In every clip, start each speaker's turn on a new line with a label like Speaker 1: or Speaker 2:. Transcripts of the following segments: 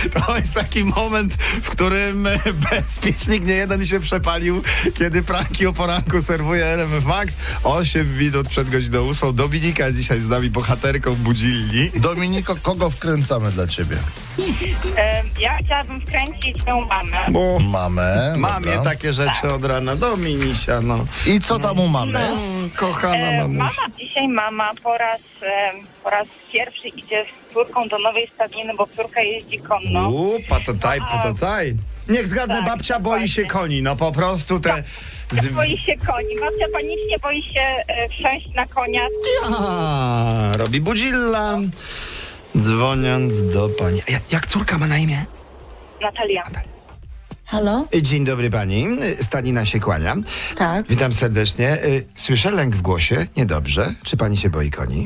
Speaker 1: To jest taki moment, w którym bezpiecznik niejeden się przepalił, kiedy pranki o poranku serwuje RMF Max. 8 minut przed godziną 8. Dominika dzisiaj z nami bohaterką budzilni.
Speaker 2: Dominiko, kogo wkręcamy dla ciebie?
Speaker 3: Ja chciałabym wkręcić moją mamę.
Speaker 1: Bo
Speaker 2: Mamę.
Speaker 1: mamie
Speaker 2: dobra.
Speaker 1: takie rzeczy od rana. Dominisia, no.
Speaker 2: I co tam u mamy?
Speaker 1: Kochana mamusia.
Speaker 3: Dzisiaj mama po raz pierwszy idzie z córką do nowej stadniny, bo córka jeździ konno.
Speaker 1: Patataj. Niech zgadnę,
Speaker 3: Tak,
Speaker 1: babcia boi się
Speaker 3: dokładnie.
Speaker 1: koni. No po prostu te...
Speaker 3: Boi się koni. Babcia panicznie boi się wsiąść na konia.
Speaker 1: Robi budzilla, dzwoniąc do pani. Jak córka ma na imię?
Speaker 3: Natalia.
Speaker 4: Halo?
Speaker 1: Dzień dobry pani, Stadnina się kłania.
Speaker 4: Tak.
Speaker 1: Witam serdecznie. Słyszę lęk w głosie, niedobrze. Czy pani się boi koni?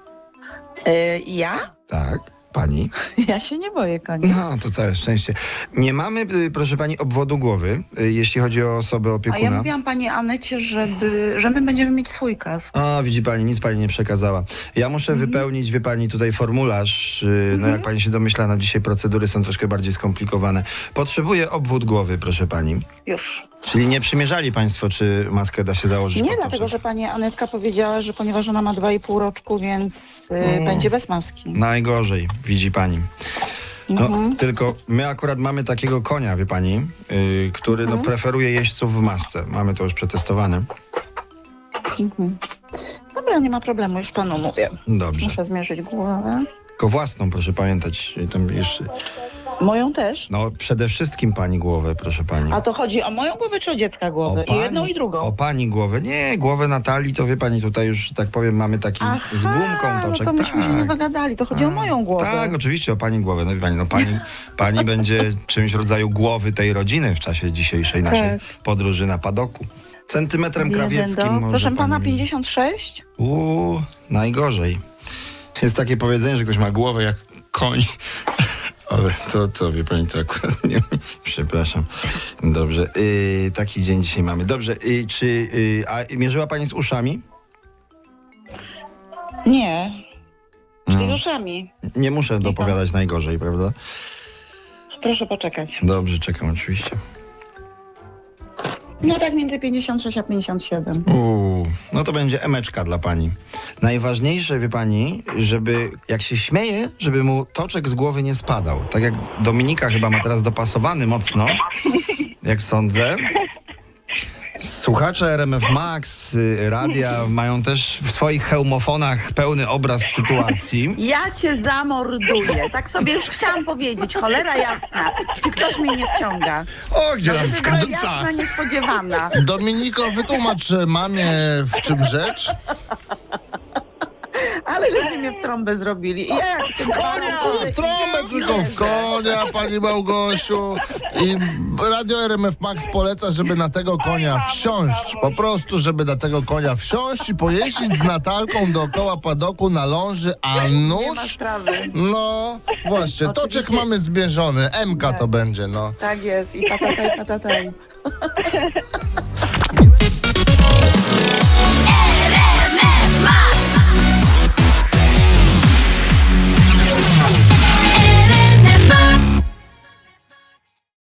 Speaker 4: Ja?
Speaker 1: Tak, pani.
Speaker 4: Ja się nie boję koni.
Speaker 1: No, to całe szczęście. Nie mamy, proszę pani, obwodu głowy, jeśli chodzi o osobę
Speaker 4: A
Speaker 1: opiekuna.
Speaker 4: ja mówiłam pani Anecie, że my będziemy mieć swój kask.
Speaker 1: A, widzi pani, nic pani nie przekazała. Ja muszę wypełnić, wie pani, tutaj formularz. No jak pani się domyśla, no dzisiaj procedury są troszkę bardziej skomplikowane. Potrzebuję obwód głowy, proszę pani.
Speaker 4: Już.
Speaker 1: Czyli nie przymierzali państwo, czy maskę da się założyć?
Speaker 4: Nie,
Speaker 1: pod
Speaker 4: dlatego,
Speaker 1: poszek?
Speaker 4: że pani Anetka powiedziała, że ponieważ ona ma 2,5 roczku, więc będzie bez maski.
Speaker 1: Najgorzej, widzi pani. No,
Speaker 4: Mhm.
Speaker 1: tylko my akurat mamy takiego konia, wie pani, który no, preferuje jeźdźców w masce. Mamy to już przetestowane.
Speaker 4: Mhm. Dobra, nie ma problemu, już panu mówię.
Speaker 1: Dobrze.
Speaker 4: Muszę zmierzyć głowę.
Speaker 1: Tylko własną, proszę pamiętać. Tam jeszcze...
Speaker 4: Moją też?
Speaker 1: No, przede wszystkim pani głowę, proszę pani.
Speaker 4: A to chodzi o moją głowę czy o dziecka głowę? I jedną i drugą.
Speaker 1: O pani głowę. Nie, głowę Natalii, to wie pani, tutaj już, że tak powiem, mamy taki z gumką
Speaker 4: no
Speaker 1: toczek.
Speaker 4: to myśmy się nie dogadali, to chodzi o moją głowę.
Speaker 1: Tak, oczywiście, o pani głowę. No wie pani, no pani będzie czymś w rodzaju głowy tej rodziny w czasie dzisiejszej naszej podróży na padoku. Centymetrem krawieckim może
Speaker 4: Proszę pana,
Speaker 1: pani...
Speaker 4: 56?
Speaker 1: Najgorzej. Jest takie powiedzenie, że ktoś ma głowę jak koń. Ale to wie pani, to akurat nie... Przepraszam. Dobrze. Taki dzień dzisiaj mamy. Dobrze. A mierzyła pani z uszami?
Speaker 4: Nie. Czyli
Speaker 1: No.
Speaker 4: z uszami.
Speaker 1: Nie muszę dopowiadać najgorzej, prawda?
Speaker 4: Proszę poczekać.
Speaker 1: Dobrze, czekam oczywiście.
Speaker 4: No tak między 56 a 57.
Speaker 1: No to będzie emeczka dla pani. Najważniejsze, wie pani, żeby jak się śmieje, żeby mu toczek z głowy nie spadał. Tak jak Dominika chyba ma teraz dopasowany mocno, jak sądzę. Słuchacze RMF Max, radia mają też w swoich hełmofonach pełny obraz sytuacji.
Speaker 4: Ja cię zamorduję. Tak sobie już chciałam powiedzieć. Cholera jasna. Czy ktoś mnie nie wciąga?
Speaker 1: O, gdzie tam
Speaker 4: Żeby była
Speaker 1: wkręca?
Speaker 4: jasna, niespodziewana.
Speaker 2: Dominiko, wytłumacz mamie, w czym rzecz?
Speaker 4: Ale żeście mnie w trąbę zrobili. I ja jak tym
Speaker 2: Nie w trąbę, tylko w konia, pani Małgosiu. I Radio RMF Max poleca, żeby na tego konia wsiąść. Po prostu, żeby na tego konia wsiąść i pojeździć z Natalką dookoła padoku na ląży, a
Speaker 4: Nie ma
Speaker 2: nóż...
Speaker 4: sprawy.
Speaker 2: No, właśnie, toczek
Speaker 4: Oczywiście.
Speaker 2: mamy zmierzony. MK to będzie, no.
Speaker 4: Tak jest. I patataj, patataj.